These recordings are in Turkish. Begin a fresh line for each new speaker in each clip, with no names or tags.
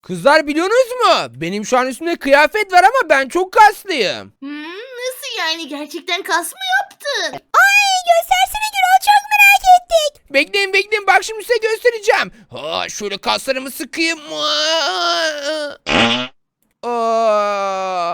Kızlar biliyorsunuz mu? Benim şu an üstümde kıyafet var ama ben çok kaslıyım.
Nasıl yani? Gerçekten kas mı yaptın?
Göstersene Gürol, çok merak ettik.
Bekleyin bekleyin bak şimdi size göstereceğim. Ha, şöyle kaslarımı sıkayım. Aa.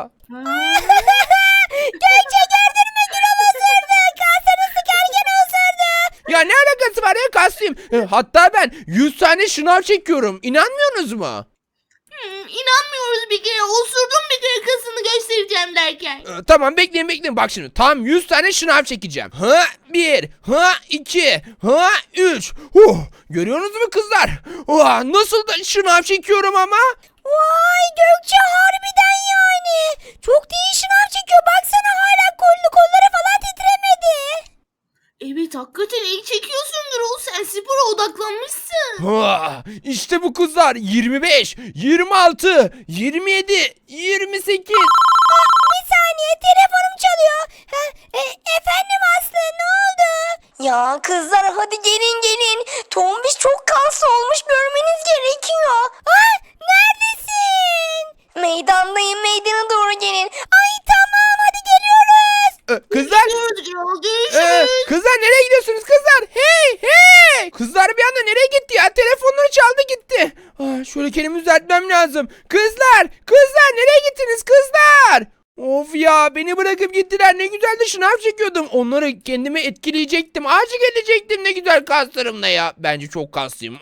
Gökçe gördün mü, Gürol osurdu. Kasını sıkarken osurdu.
Ya ne alakası var ya kaslıyım. Hatta ben 100 tane şınav çekiyorum. İnanmıyorsunuz mu?
İnanmıyoruz bir kere. Osurdum bir kere kasını göstereceğim derken.
Tamam bekleyin bekleyin bak şimdi tam 100 tane şınav çekeceğim. Ha 1, ha 2, ha 3. Görüyorsunuz mu kızlar? Nasıl da şınav çekiyorum ama?
Vay Gökçe, harbiden yani. Çok da iyi şınav çekiyor. Baksana, hala kolları falan titremedi.
Evet, hakikaten iyi çekiyorsun Gürol. Sen spora odaklanmışsın.
İşte bu kızlar 25, 26, 27, 28.
Bir saniye, telefonum çalıyor. Efendim Aslı, ne oldu? Ya kızlar, hadi gelin. Tombiş çok kaslı olmuş, görmeniz gerekiyor. Neredesin? Meydandayım, meydana doğru gelin. Ay tamam, hadi geliyoruz.
Kızlar,
Görüşürüz Gürol. Görüşürüz.
kızlar nereye gidiyorsunuz kızlar? Hey! Kızlar bir anda nereye gitti ya? Telefonları çaldı gitti. Şöyle kendimi düzeltmem lazım. Kızlar nereye gittiniz kızlar? Of ya beni bırakıp gittiler. Ne güzel de şınav çekiyordum. Onları kendime etkileyecektim. Ağacı gelecektim ne güzel kaslarımla ya. Bence çok kaslıyım.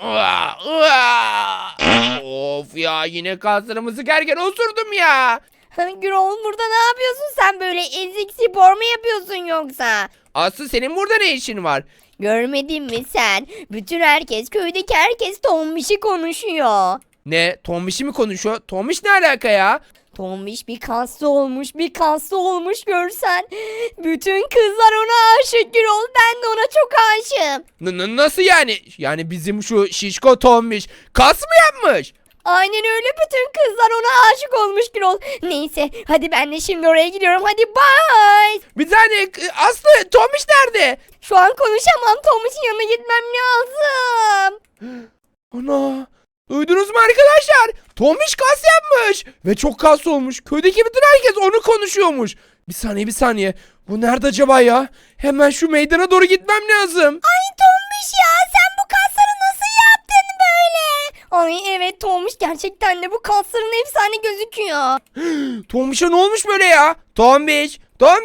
Of ya yine kaslarımı sıkarken osurdum ya.
Gürol, burada ne yapıyorsun sen böyle? Ezik spor mu yapıyorsun yoksa?
Aslı senin burada ne işin var?
Görmedin mi sen? Bütün herkes, köydeki herkes Tombiş'i konuşuyor.
Ne? Tombiş mi konuşuyor? Tombiş ne alaka ya?
Tombiş bir kaslı olmuş görsen. Bütün kızlar ona aşık Gürol. Ben de ona çok aşığım.
Nasıl yani? Yani bizim şu şişko Tombiş kas mı yapmış?
Aynen öyle, bütün kızlar ona aşık olmuş Gürol. Neyse, hadi ben de şimdi oraya gidiyorum. Hadi bye.
Bir tane Aslı Tombiş nerede?
Şu an konuşamam. Tombiş'in yanına gitmem lazım.
Ana! Duydunuz mu arkadaşlar? Tombiş kas yapmış. Ve çok kaslı olmuş. Köydeki bütün herkes onu konuşuyormuş. Bir saniye. Bu nerede acaba ya? Hemen şu meydana doğru gitmem lazım.
Ay Tombiş ya, sen bu kasları nasıl yaptın böyle? Ay evet Tombiş, gerçekten de bu kasların efsane gözüküyor.
Tombiş'e ne olmuş böyle ya? Tombiş!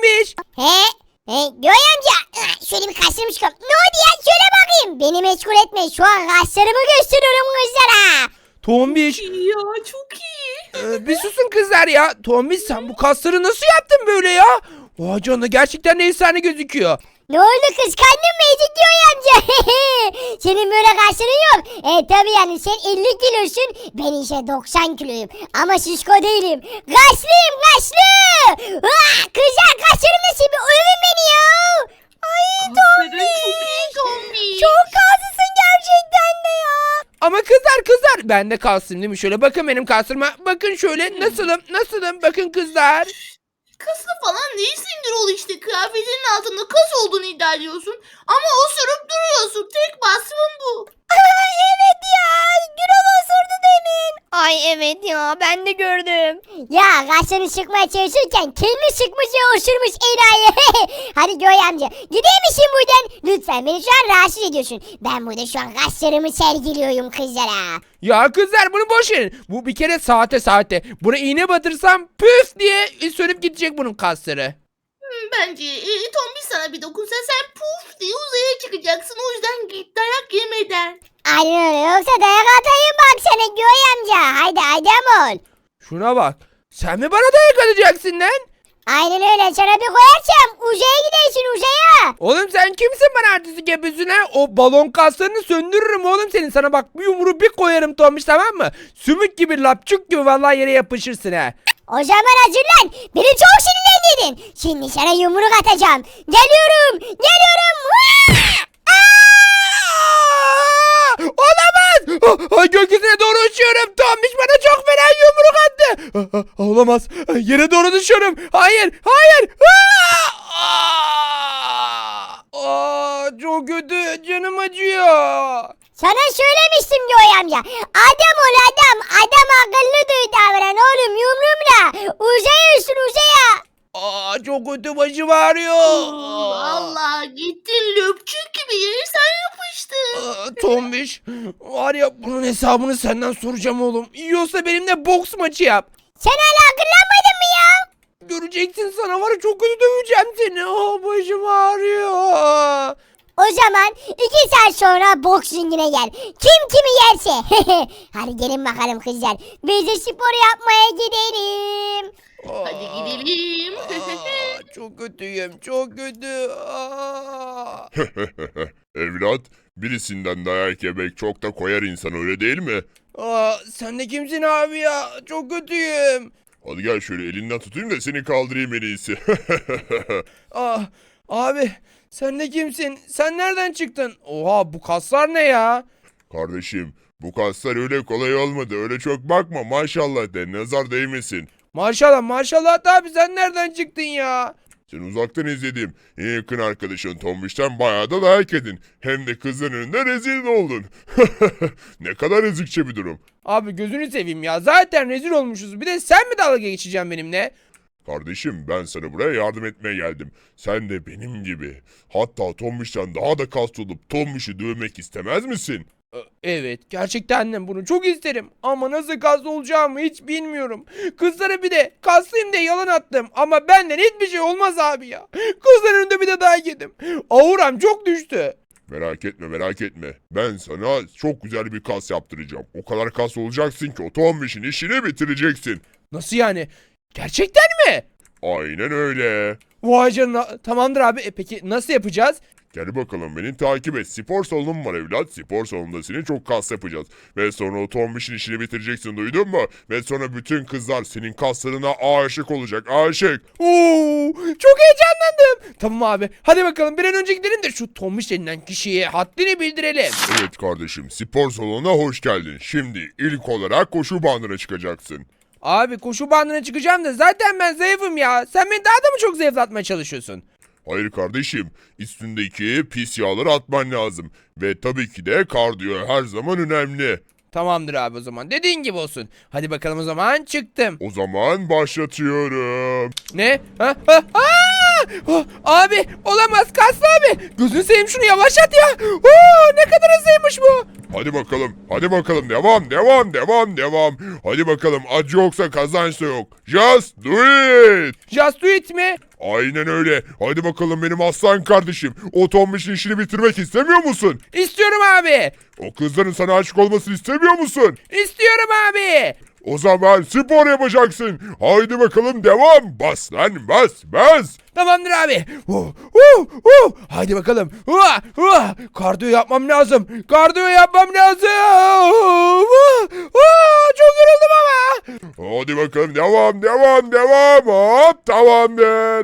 Göğe amca, şöyle bir kaşlarımı çıkar. Ne oldu ya, şöyle bakayım. Beni meşgul etme, şu an kaşlarımı gösteriyorum kızlara.
Tombiş!
Ya çok iyi.
Bir susun kızlar ya. Tombiş sen bu kasları nasıl yaptın böyle ya? Vay canına gerçekten de efsane gözüküyor.
Ne oldu, kıskandın mı Ezik Göğe amca? Senin böyle kaşların yok. Tabii yani sen 50 kilosun, ben ise 90 kiloyum. Ama şişko değilim. Kaşlıyım, kaşlı. Kızlar, kaşlarım nasıl, bir övün beni ya.
Kasların çok iyi Tombiş.
Çok kaslısın gerçekten de ya.
Ama kızlar ben de kalsın değil mi? Şöyle bakın benim kaslarıma. Bakın şöyle nasılım bakın kızlar.
Kaslı falan değilsin Gürol işte. Kıyafetinin altında kas olduğunu iddia ediyorsun. Ama osurup duruyorsun. Tek vasfın bu.
Evet ya, Gürol osurdu demin. Ay evet ya, ben de gördüm.
Ya kaşlarını sıkmaya çalışırken kendi sıkmış ve osurmuş enayi. Hadi Göğe amca, gideyim misin buradan? Lütfen, beni şu an rahatsız ediyorsun. Ben burada şu an kaşlarımı sergiliyorum kızlara.
Ya kızlar bunu boş verin. Bu bir kere saate. Buna iğne batırsam püf diye sönüp gidecek bunun kasları.
Bence Tombiş sana bir dokunsa sen puf diye uzaya çıkacaksın. O yüzden git dayak yemeden.
Aynen öyle, yoksa dayak atayım bak sana Göğe amca. Haydi ol.
Şuna bak. Sen mi bana dayak atacaksın lan?
Aynen öyle, sana bir koyarsam uzaya gidersin, uzaya.
Oğlum sen kimsin bana artistik yapıyorsun ha? O balon kaslarını söndürürüm oğlum senin. Sana bak bir yumruğu bir koyarım Tombiş, tamam mı? Sümük gibi lapçuk gibi vallahi yere yapışırsın ha.
O zaman hazırlan. Beni çok sinirlendirdin. Şimdi sana yumruk atacağım. Geliyorum.
Olamaz. Gökyüzüne doğru uçuyorum. Tombiş bana çok fena yumruk attı. Olamaz. Yere doğru düşüyorum. Hayır. Çok kötü. Canım acıyor.
Sana söylemiştim Joy amca. Adam ol adam. Adam akıllı duy davran oğlum yumruğumla. Uzayıyorsun uzaya.
Çok kötü başım ağrıyor.
Allah gittin löpçük gibi yere sen yapıştın.
Tombiş, var ya bunun hesabını senden soracağım oğlum. Yiyorsa benimle boks maçı yap.
Sen hala akıllanmadın mı ya?
Göreceksin, sana var ya çok kötü döveceğim seni. Başım ağrıyor.
O zaman 2 saat sonra boks ringine gel. Kim kimi yerse. Hadi gelin bakalım kızlar. Biz de spor yapmaya gidelim.
Hadi gidelim.
Çok kötüyüm, çok kötü.
Evlat, birisinden dayak yemek çok da koyar insan, öyle değil mi?
Sen de kimsin abi ya? Çok kötüyüm.
Hadi gel şöyle elinden tutayım da seni kaldırayım en iyisi.
Abi sen de kimsin? Sen nereden çıktın? Oha, bu kaslar ne ya?
Kardeşim, bu kaslar öyle kolay olmadı. Öyle çok bakma, maşallah de, nazar değmesin.
Maşallah maşallah abi, sen nereden çıktın ya?
Sen uzaktan izlediğim en yakın arkadaşın Tombiş'ten bayağı da dayak yedin. Hem de kızın önünde rezil oldun. Ne kadar ezikçe bir durum.
Abi gözünü seveyim ya, zaten rezil olmuşuz. Bir de sen mi dalga geçeceksin benimle?
Kardeşim, ben sana buraya yardım etmeye geldim. Sen de benim gibi, hatta Tombiş'ten daha da kaslı olup Tombiş'i dövmek istemez misin?
Evet, gerçekten de bunu çok isterim. Ama nasıl kaslı olacağımı hiç bilmiyorum. Kızlara bir de kaslıyım diye yalan attım. Ama benden hiçbir şey olmaz abi ya. Kızların önünde bir de dayak yedim. Auram çok düştü.
Merak etme, merak etme. Ben sana çok güzel bir kas yaptıracağım. O kadar kas olacaksın ki o Tombiş'in işini bitireceksin.
Nasıl yani? Gerçekten mi?
Aynen öyle.
Vay canına. Tamamdır abi. Peki nasıl yapacağız?
Gel bakalım, beni takip et. Spor salonum var evlat. Spor salonunda seni çok kas yapacağız. Ve sonra o Tombiş'in işini bitireceksin, duydun mu? Ve sonra bütün kızlar senin kaslarına aşık olacak, aşık.
Oo, çok heyecanlandım. Tamam abi. Hadi bakalım bir an önce gidelim de şu Tombiş denilen kişiye haddini bildirelim.
Evet kardeşim, spor salonuna hoş geldin. Şimdi ilk olarak koşu bandına çıkacaksın.
Abi koşu bandına çıkacağım da zaten ben zayıfım ya. Sen beni daha da mı çok zayıflatmaya çalışıyorsun?
Hayır kardeşim, üstündeki pis yağları atman lazım. Ve tabii ki de kardiyo her zaman önemli.
Tamamdır abi, o zaman dediğin gibi olsun. Hadi bakalım, o zaman çıktım.
O zaman başlatıyorum.
Ne? Ha? Abi olamaz, kaslı abi. Gözünü seveyim, şunu yavaşlat ya. Ne kadar hızlıymış bu.
Hadi bakalım, hadi bakalım, devam, devam, devam, devam. Hadi bakalım, acı yoksa kazanç da yok. Just do it.
Just do it mi?
Aynen öyle. Hadi bakalım benim aslan kardeşim. O Tombiş'in işini bitirmek istemiyor musun?
İstiyorum abi.
O kızların sana aşık olmasını istemiyor musun?
İstiyorum abi.
O zaman spor yapacaksın. Haydi bakalım, devam. Bas lan, bas, bas.
Tamamdır abi. Haydi bakalım. Kardiyo yapmam lazım. Kardiyo yapmam lazım. Çok yoruldum ama.
Hadi bakalım, devam, devam, devam. Hop, tamamdır.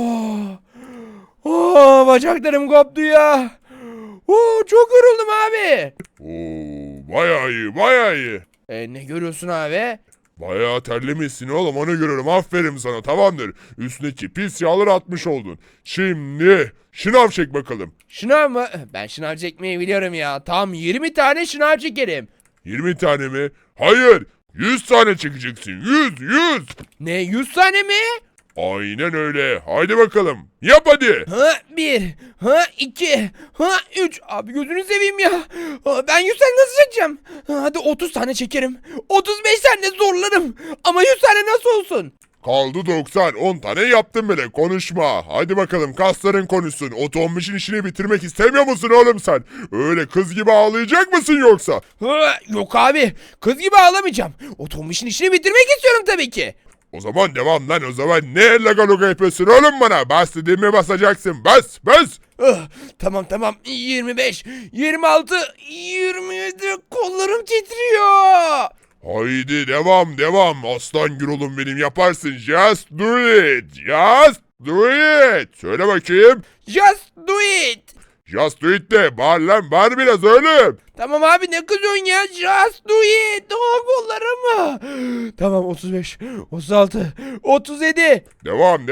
Bacaklarım koptu ya. Çok yoruldum abi.
Oo, bayağı iyi, bayağı iyi.
Ne görüyorsun abi?
Bayağı terlemişsin oğlum, onu görüyorum. Aferin sana, tamamdır. Üstündeki pis yağları atmış oldun. Şimdi şınav çek bakalım.
Şınav mı? Ben şınav çekmeyi biliyorum ya. Tam 20 tane şınav çekerim.
20 tane mi? Hayır, 100 tane çekeceksin. 100.
Ne, 100 tane mi?
Aynen öyle. Haydi bakalım. Yap hadi.
Bir, iki, üç. Abi gözünü seveyim ya. Ben 100 tane nasıl çekeceğim? Hadi 30 tane çekerim. 35 tane de zorlarım. Ama 100 tane nasıl olsun?
Kaldı 90. 10 tane yaptın bile. Konuşma. Hadi bakalım, kasların konuşsun. O Tombiş'in işini bitirmek istemiyor musun oğlum sen? Öyle kız gibi ağlayacak mısın yoksa?
Yok abi. Kız gibi ağlamayacağım. O Tombiş'in işini bitirmek istiyorum tabii ki.
O zaman devam lan, o zaman ne laga luga yapıyorsun oğlum bana? Bas dediğimi basacaksın. Bas, bas.
Tamam. 25, 26, 27. Kollarım titriyor.
Haydi devam. Aslan Gürol'um benim, yaparsın. Just do it. Just do it. Söyle bakayım.
Just do it.
Just do it de. Bağır lan, bağır biraz oğlum.
Tamam abi, ne kızıyorsun ya? Just do it. Kollarım. Tamam, 35, 36, 37.
Devam.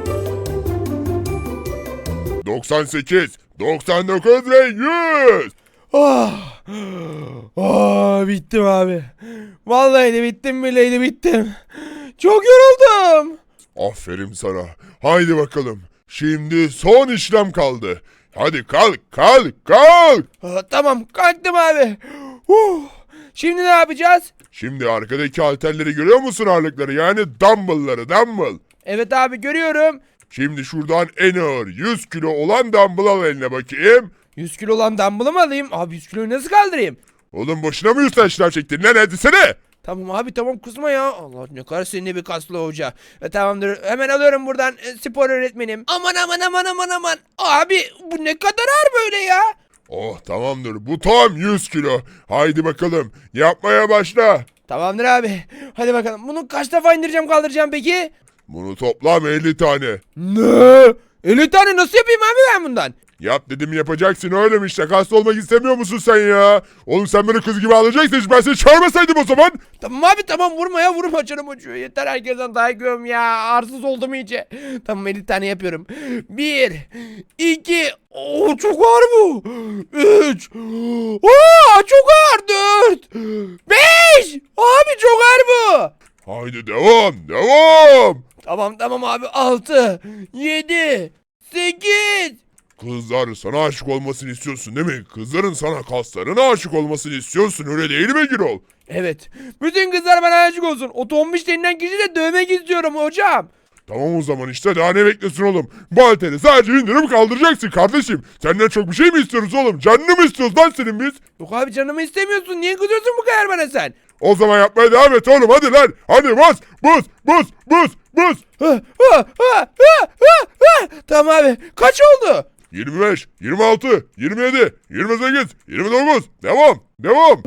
98, 99 ve 100.
Oh. Oh, bittim abi. Vallahi de bittim, billahi de bittim. Çok yoruldum.
Aferin sana. Haydi bakalım. Şimdi son işlem kaldı. Hadi kalk kalk kalk.
Tamam, kalktım abi. Şimdi ne yapacağız?
Şimdi arkadaki halterleri görüyor musun, ağırlıkları, yani dumbbellları, dumbbell.
Evet abi, görüyorum.
Şimdi şuradan en ağır 100 kilo olan dumbbell al eline bakayım.
100 kilo olan dumbbell'ı mı alayım? Abi 100 kiloyu nasıl kaldırayım?
Oğlum boşuna mı 100 tane şınav çektin lan, hadi sene.
Tamam abi, tamam, kızma ya. Allah, ne kadar seninle bir kaslı hoca. Tamamdır, hemen alıyorum buradan spor öğretmenim. Aman aman aman aman aman. Abi bu ne kadar ağır böyle ya.
Oh tamamdır, bu tam 100 kilo. Haydi bakalım yapmaya başla.
Tamamdır abi. Hadi bakalım, bunu kaç defa indireceğim kaldıracağım peki?
Bunu toplam 50 tane.
Ne? 50 tane nasıl yapayım abi ben bundan?
Yap dedim yapacaksın, öyle mi işte? Kaslı olmak istemiyor musun sen ya? Oğlum sen beni kız gibi alacaksın, hiç ben seni çağırmasaydım o zaman.
Tamam abi, tamam, vurma ya, vurma, canım acıyor. Yeter, herkesten dayak yiyorum ya. Arsız oldum iyice. Tamam, 50 tane yapıyorum. 1, 2, çok ağır bu. 3, çok ağır. 4, 5, abi çok ağır bu.
Haydi devam devam.
Tamam abi, 6, 7, 8.
Kızlar sana aşık olmasını istiyorsun değil mi? Kızların sana, kaslarına aşık olmasını istiyorsun, öyle değil mi Gürol?
Evet, bütün kızlar bana aşık olsun. O tombiş denilen kişiyi de dövmek istiyorum hocam.
Tamam o zaman, işte daha ne bekliyorsun oğlum? Bu halteri sadece indirip kaldıracaksın kardeşim. Senden çok bir şey mi istiyoruz oğlum? Canını mı istiyoruz lan senin biz?
Yok abi, canımı istemiyorsun. Niye kızıyorsun bu kadar bana sen?
O zaman yapmaya devam et oğlum, hadi lan. Hadi bas bas bas bas bas.
Tamam abi, kaç oldu?
25, 26, 27, 28, 29. Devam devam.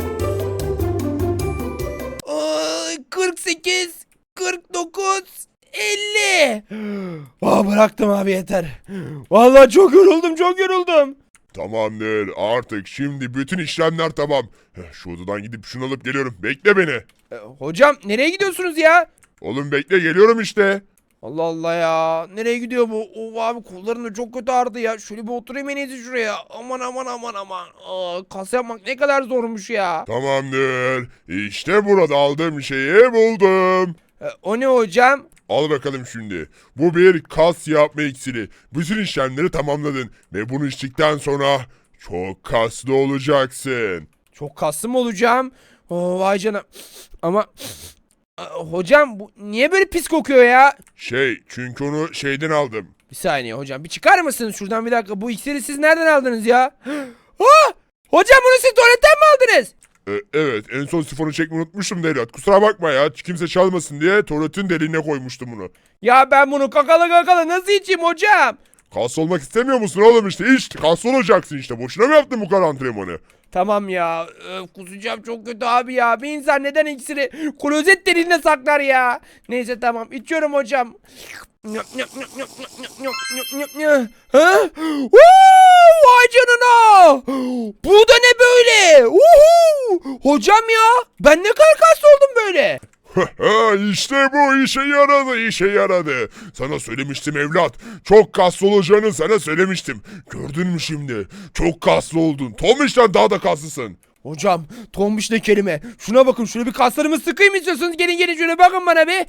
48, 49, 50. Bıraktım abi, yeter. Vallahi çok yoruldum.
Tamamdır, artık şimdi bütün işlemler tamam. Şu odadan gidip şunu alıp geliyorum, bekle beni.
Hocam, nereye gidiyorsunuz ya?
Oğlum bekle, geliyorum işte.
Allah Allah ya. Nereye gidiyor bu? Abi kollarım da çok kötü ağrıdı ya. Şöyle bir oturayım en iyisi şuraya. Aman aman aman aman. Kas yapmak ne kadar zormuş ya.
Tamamdır, işte burada aldığım şeyi buldum.
O ne hocam?
Al bakalım şimdi. Bu bir kas yapma iksiri. Bütün işlemleri tamamladın ve bunu içtikten sonra çok kaslı olacaksın.
Çok kaslı mı olacağım? Vay canına. Ama hocam, bu niye böyle pis kokuyor ya?
Çünkü onu şeyden aldım.
Bir saniye hocam, bir çıkar mısınız şuradan bir dakika? Bu iksiri siz nereden aldınız ya? Hocam, bunu siz tuvaletten mi aldınız?
Evet, en son sifonu çekmeyi unutmuştum Devlet. Kusura bakma ya, kimse çalmasın diye tuvaletin deliğine koymuştum bunu.
Ya ben bunu kakalı nasıl içeyim hocam?
Kas olmak istemiyor musun oğlum, işte iç. Kas olacaksın işte. Boşuna mı yaptın bu kadar antrenmanı?
Tamam ya, kusacağım çok kötü abi ya. Bir insan neden iksiri klozet deliğine saklar ya? Neyse, tamam, içiyorum hocam. Ha? Vay canına! Bu da ne böyle? Hocam ya, ben ne kadar kaslı oldum böyle?
İşte bu işe yaradı. Sana söylemiştim evlat. Çok kaslı olacağını sana söylemiştim. Gördün mü şimdi? Çok kaslı oldun. Tomiş'ten daha da kaslısın.
Hocam, tombiş ne kelime? Şuna bakın, şöyle bir kaslarımı sıkayım istiyorsunuz. Gelin şöyle bakın bana be.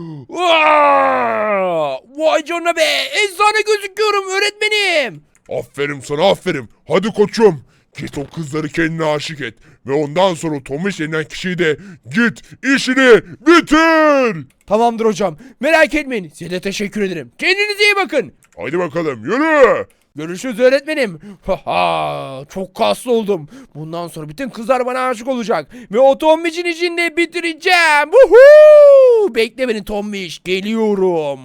Vay canına be, efsane gözüküyorum öğretmenim.
Aferin sana, aferin. Hadi koçum. Git o kızları kendine aşık et. Ve ondan sonra Tomiş denilen kişiyi de git işini bitir.
Tamamdır hocam, merak etmeyin, size de teşekkür ederim. Kendinize iyi bakın.
Haydi bakalım yürü.
Görüşürüz öğretmenim. Çok kaslı oldum. Bundan sonra bütün kızlar bana aşık olacak. Ve o tombişin işini de bitireceğim. Bekle beni tombiş, geliyorum.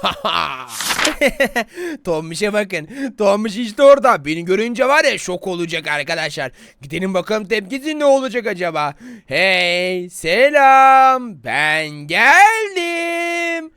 Tombiş'e bakın. Tombiş işte orada. Beni görünce var ya, şok olacak arkadaşlar. Gidelim bakalım, tepkisi ne olacak acaba? Hey, selam. Ben geldim.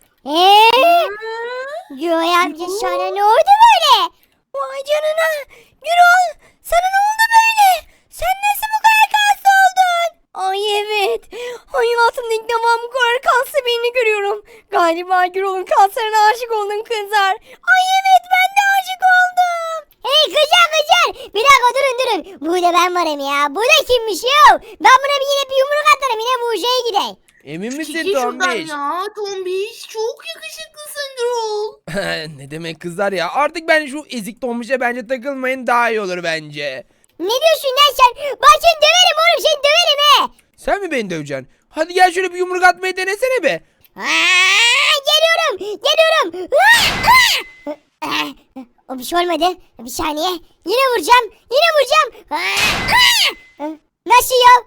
Joy amca, sana ne oldu böyle? Vay canına. Gürol, sana ne oldu böyle? Sen nasıl bu kadar kaslı oldun? Ay evet. Hayatımda ilk defa bu kadar kaslı birini görüyorum. Galiba Gürol'un kaslarına aşık oldum kızlar. Ay evet, ben de aşık oldum. Hey kızlar. Bir dakika durun. Burada ben varım ya. Bu da kimmiş ya? Ben buna yine bir yumruk atarım. Yine bu uşaya gideyim.
Emin misin
Çekil şuradan
Tombiş?
ya Tombiş. Çok yakışıklısın Gürol.
Ne demek kızlar ya? Artık ben şu ezik Tombiş'e bence takılmayın, daha iyi olur bence.
Ne diyorsun lan sen? Bak seni döverim oğlum, seni döverim he.
Sen mi beni döveceksin? Hadi gel şöyle bir yumruk atmayı denesene be.
Geliyorum. O bir şey olmadı. Bir saniye. Yine vuracağım. Nasıl ya?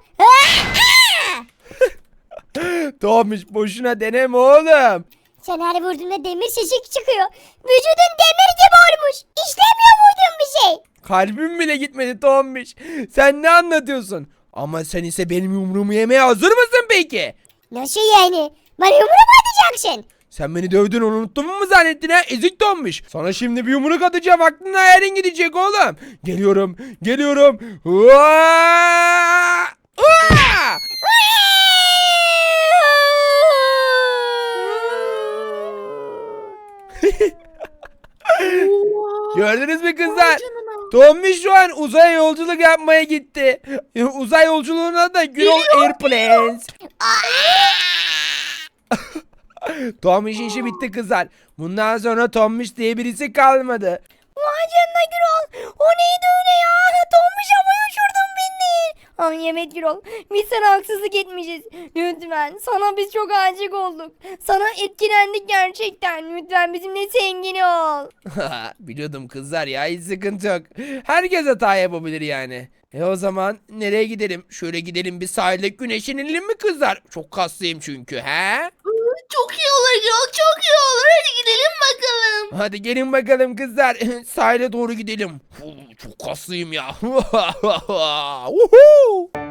Tombiş boşuna deneme oğlum.
Sen her vurduğunda demir sesi çıkıyor. Vücudun demir gibi olmuş. İşlemiyor vurduğun bir şey.
Kalbim bile gitmedi Tombiş. Sen ne anlatıyorsun? Ama sen ise benim yumruğumu yemeye hazır mısın peki?
Nasıl yani? Bana yumruk mu atacaksın?
Sen beni dövdün, onu unuttun mu zannettin ha? Ezik Tombiş. Sana şimdi bir yumruk atacağım, aklın hayalin gidecek oğlum. Geliyorum. Uaa! Uaa! Gördünüz mü kızlar?
Vay canına.
Tombiş şu an uzaya yolculuk yapmaya gitti. Uzay yolculuğuna da Gürol Airplanes. Tombiş'in işi bitti kızlar. Bundan sonra Tombiş diye birisi kalmadı.
Vay canına Gürol. O neydi öyle ya? Tombiş havaya uçurdun beni. Ay evet Gürol. Biz sana haksızlık etmişiz. Lütfen. Sana biz çok aşık olduk. Sana etkilendik gerçekten. Lütfen bizimle sevgili ol.
Biliyordum kızlar ya, hiç sıkıntı yok. Herkes hata yapabilir yani. O zaman nereye gidelim? Şöyle gidelim, bir sahilde güneşlenelim mi kızlar? Çok kaslıyım çünkü he?
Çok iyi olur Gürol, çok iyi olur. Hadi gidelim bakalım.
Hadi gelin bakalım kızlar. Sahile doğru gidelim. Çok kaslıyım ya. Woohoo!